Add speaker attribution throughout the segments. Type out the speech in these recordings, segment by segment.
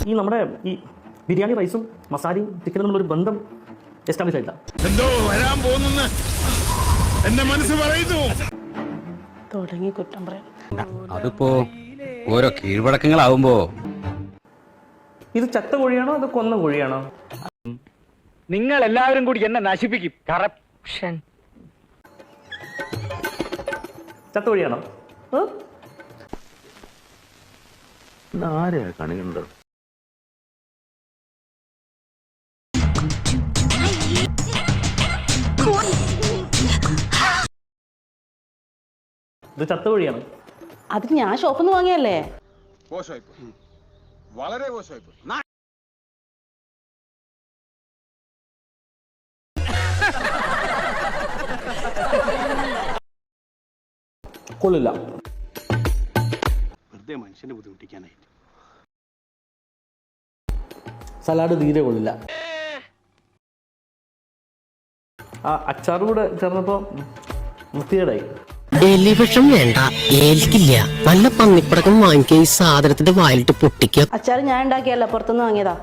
Speaker 1: ഈ നമ്മുടെ ഈ ബിരിയാണി റൈസും മസാലയും ചിക്കനും തമ്മിലൊരു ബന്ധം എസ്റ്റാബ്ലിഷ് ആയില്ല.
Speaker 2: എന്തോ വരാൻ പോകുന്നെന്ന് എന്റെ മനസ്സ് പറയുന്നു.
Speaker 3: തുടങ്ങി കുറ്റം പറയാം.
Speaker 4: അതിപ്പോ ഓരോ കീഴ്വഴക്കങ്ങളാവുമ്പോ
Speaker 1: ഇത് ചത്ത കോഴിയാണോ അത് കൊന്ന കോഴിയാണോ?
Speaker 5: നിങ്ങൾ എല്ലാവരും കൂടി എന്നെ നശിപ്പിക്കും. കറപ്ഷൻ.
Speaker 1: ചത്ത കോഴിയാണോ?
Speaker 6: ആരെയാ കണികണ്ടത്?
Speaker 1: ഇത് ചത്ത കോഴിയാണ്.
Speaker 3: അത് ഞാൻ ഷോപ്പിൽ നിന്ന് വാങ്ങിയല്ലേ.
Speaker 2: വളരെ മോശമായി.
Speaker 1: കൊള്ളില്ല.
Speaker 6: വെറുതെ മനുഷ്യനെ ബുദ്ധിമുട്ടിക്കാനായിട്ട്.
Speaker 1: സലാഡ് തീരെ കൊള്ളില്ല. ആ അച്ചാറും കൂടെ ചേർന്നപ്പോ വൃത്തികേടായി.
Speaker 7: എലിവിഷം വേണ്ട, ഏൽക്കില്ല. നല്ല പന്നിപ്പടക്കം വാങ്ങിക്കുക, ഈ സാധനത്തിന്റെ വായിലിട്ട് പൊട്ടിക്കുക.
Speaker 3: അച്ചാർ ഞാൻ ഉണ്ടാക്കിയല്ല, പുറത്തുനിന്ന് വാങ്ങിയതാ.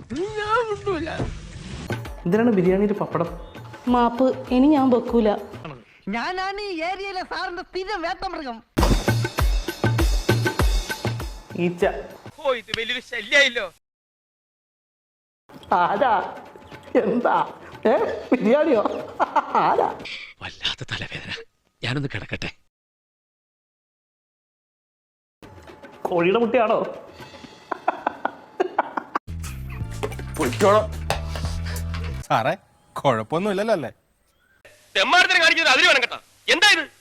Speaker 1: എന്തിനാണ് ബിരിയാണിയിൽ പപ്പടം?
Speaker 3: മാപ്പ്, ഇനി ഞാൻ വെക്കൂല.
Speaker 8: ഞാനാണ് ഈ ഏരിയയിലെ സാറിന്റെ സ്ഥിരം വേട്ടമൃഗം.
Speaker 1: ഈച്ച.
Speaker 5: ഇത് വലിയൊരു ശല്യായില്ലോ.
Speaker 1: ആരാ? എന്താ? ബിരിയാണിയോ? ആരാ?
Speaker 4: വല്ലാത്ത തലവേദന. ഞാനൊന്ന് കിടക്കട്ടെ.
Speaker 1: കോഴിയുടെ മുട്ടയാണോ?
Speaker 2: സാറേ കുഴപ്പമൊന്നുമില്ലല്ലോ അല്ലേ?
Speaker 5: തെമ്മാടത്തിന് കാണിക്കുന്നത് അതിന് വേണം കേട്ടോ. എന്താ ഇത്?